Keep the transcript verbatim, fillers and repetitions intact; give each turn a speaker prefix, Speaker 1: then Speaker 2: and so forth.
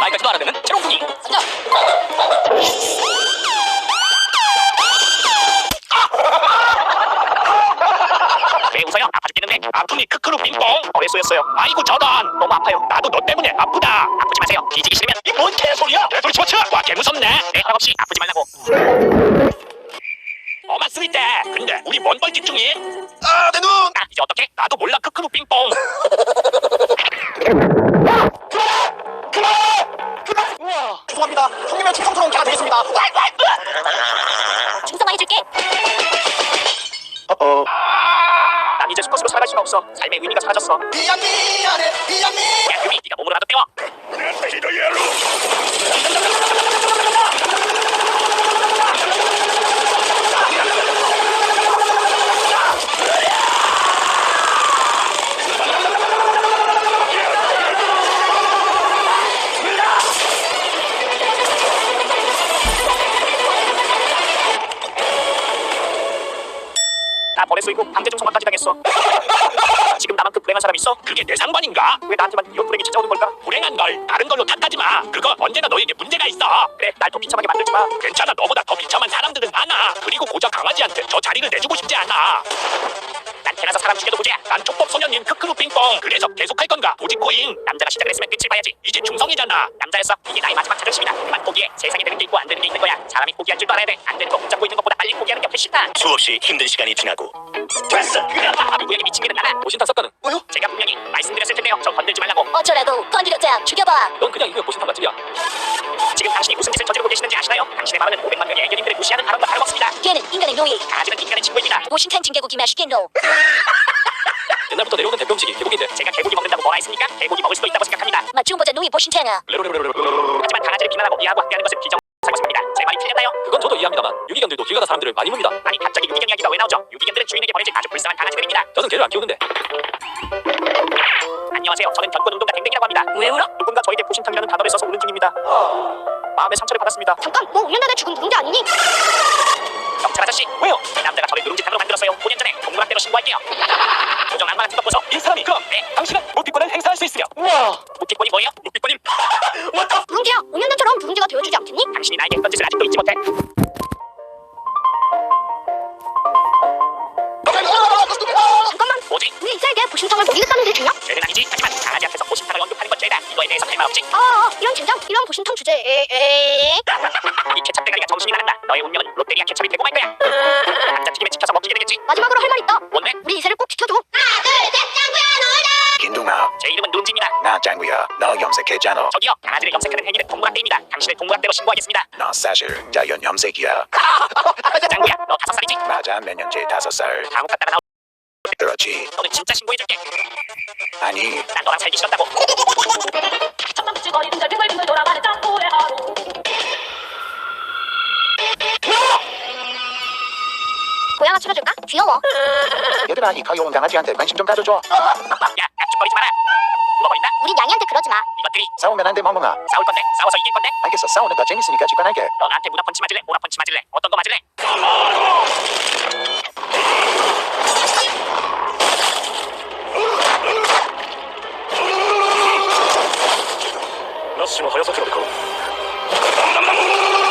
Speaker 1: 나이까지도 알아내는 재롱둥이.
Speaker 2: 앉아.
Speaker 1: 왜 웃어요? 아파 죽겠는데. 아프니 크크루 빙뽕. 어레소였어요. 아이고 저런. 너무 아파요. 나도 너 때문에 아프다. 아프지 마세요. 뒤지기 싫으면. 이 뭔 개소리야? 개소리 집어쳐. 와 개무섭네. 내 허락 없이 아프지 말라고. 어만 쓰릴 때. 근데 우리 뭔 벌집 중이? 아 내 눈. 아 이제 어떡해? 나도 몰라 크크루 빙뽕.
Speaker 3: 우와, 죄송합니다. 형님의 충성스러운 개가 되겠습니다.
Speaker 2: 충성화해줄게.
Speaker 3: 어어.
Speaker 1: 난 이제 수컷으로 살아갈 수가 없어. 삶의 의미가 사라졌어.
Speaker 3: 미안 미안해 미안 미.
Speaker 1: 야 유미 네가 몸으로 나도 때워. 나 벌에 쏘이고 강제 중성화까지 당했어. 지금 나만큼 불행한 사람 있어? 그게 내 상관인가? 왜 나한테만 이런 불행이 찾아오는 걸까? 불행한 걸 다른 걸로 탓하지 마. 그거 언제나 너에게 문제가 있어. 그래 날 더 비참하게 만들지 마. 괜찮아 너보다 더 비참한 사람들은 많아. 그리고 고작 강아지한테 저 자리를 내주고 싶지 않아. 난 태어나서 사람 죽여도 보자. 난 촉법 소년님 크크루 빙뽕. 그래서 계속할 건가? 도지코인. 남자가 시작을 했으면 끝을 봐야지. 이제 중성이잖아. 남자였어. 이게 나의 마지막 자존심이다. 그만 포기해. 세상에 되는 게 있고 안 되는 게 있는 거야. 사람이 포기할 줄도 알아야 돼. 안 되는 거 붙잡고 있는 것보다 빨리 포기하는 게 훨씬 나아.
Speaker 4: 수없이 힘든 시간이 지나고
Speaker 1: 됐어. 누구에게 미친 게는 나나. 보신탕 섞거든.
Speaker 3: 뭐요?
Speaker 1: 제가 분명히 말씀드렸을 텐데요. 저 건들지 말라고.
Speaker 2: 어쩌라고 건드렸자 죽여봐.
Speaker 1: 넌 그냥 이거 보신탕 맛집이야. 지금 당신이 무슨 짓을 저지르고 계시는지 아시나요? 당신의 마음은 오백만 명의 애견인들을 무시하는 발언과 다름없습니다.
Speaker 2: 걔는 인간의 노예.
Speaker 1: 강아지는 인간의 친구입니다.
Speaker 2: 모신탕 징계고기 맛있겠노.
Speaker 1: 옛날부터 내려오는 대표음식이 개고기인데 제가 개고기 먹는다고 뭐가 있습니까? 개고기 먹을 수도 있다고 생각합니다.
Speaker 2: 맛 좀 보자 노예 모신탕아.
Speaker 1: 하지만 강아지를 비난하고 이해하고 학대하는 것은 비정상입니다. 제 말이 틀렸나요?
Speaker 5: 그건 저도 이해합니다만 유기견들도 길 가다 사람들을 많이 묻니다.
Speaker 1: 아니 갑자기 유기견 이야기가 왜 나오죠? 유기견들은 주인에게 버려질 아주 불쌍한 강아지들입니다.
Speaker 5: 저는 개를 안 키우는데.
Speaker 1: 안녕하세요. 저는 견권운동가 댕댕이라고 합니다.
Speaker 2: 왜 울어?
Speaker 1: 누군가 저에게 보신탕이라는 단어를 써서 우는 중입니다. 마음의 상처를 받았습니다.
Speaker 2: 잠깐 너 오 년 전에 죽은 누군지 아니니?
Speaker 1: 경찰 아저씨 왜요? 이 남자가 저를 누룽지탕으로 만들었어요. 오 년 전에 동물학대로 신고할게요. 조정 악마 같은 것 보소. 이 사람이 그럼 네 당신은 묵비권을 행사할 수 있으며.
Speaker 3: 우와.
Speaker 1: 묵비권이 뭐예요? 묵비권임.
Speaker 2: 누룽지야 오 년 전처럼 누룽지가 되어주지 않겠니?
Speaker 1: 당신이 나에게 했던 짓을 아직도 잊지 못해.
Speaker 2: 잠깐만
Speaker 1: 뭐지?
Speaker 2: 우리 이사에게 보신탕을 먹이겠다는 데 주냐?
Speaker 1: 죄는 아니지. 하지만 강아지 앞에서 보신탕을 언급하는 건 죄다. 이거에 대해서 할 말 없지?
Speaker 2: 아 이런 젠장 이런 보신탕 주제 에에
Speaker 1: 이 케찹 대가리가 정신이 나간다. 너의 운명은 롯데리아 케찹이 되고 말 거야. 감자튀김에 지켜서 먹히게 되겠지.
Speaker 2: 마지막으로 할 말 있다.
Speaker 1: 뭔데?
Speaker 2: 우리 이사를 꼭 지켜줘. 하나 둘셋 짱구야 놀자.
Speaker 4: 김동아
Speaker 1: 제 이름은 누룽지입니다.
Speaker 4: 나 짱구야 너 염색했잖아.
Speaker 1: 저기요. 강아지를 염색하는 행위는 동물학대입니다. 당신을 동물학대로 신고하겠습니다.
Speaker 4: 나 사실 자연 염색이야.
Speaker 1: 짱구야 너 다섯 살이지?
Speaker 4: 맞아 몇 년째 다섯 살.
Speaker 1: 감옥 갔다가 나오.
Speaker 4: 그렇지.
Speaker 1: 너는 진짜 신고해줄게.
Speaker 4: 아니
Speaker 1: 난 너랑 살기 싫었다고.
Speaker 6: 척박지거리는 잘 빙글빙글 돌아가는 짱구의 하루.
Speaker 2: 고양아 찾아줄까? 귀여워.
Speaker 4: 얘들아 이 가여운 강아지한테 관심 좀 가져줘.
Speaker 1: 야 깍죽거리지 마라. 울어버린다.
Speaker 2: 우리 냥이한테 그러지 마.
Speaker 1: 이것들이
Speaker 4: 싸우면 안 돼 멍멍아.
Speaker 1: 싸울 건데 싸워서 이길 건데.
Speaker 4: 알겠어 싸우는 거 재밌으니까 직관할게.
Speaker 1: 너 나한테 문화 펀치 맞을래? 오라 펀치 맞을래? 어떤 거 맞을래?
Speaker 5: 나 씨발 하야사키로 데카로.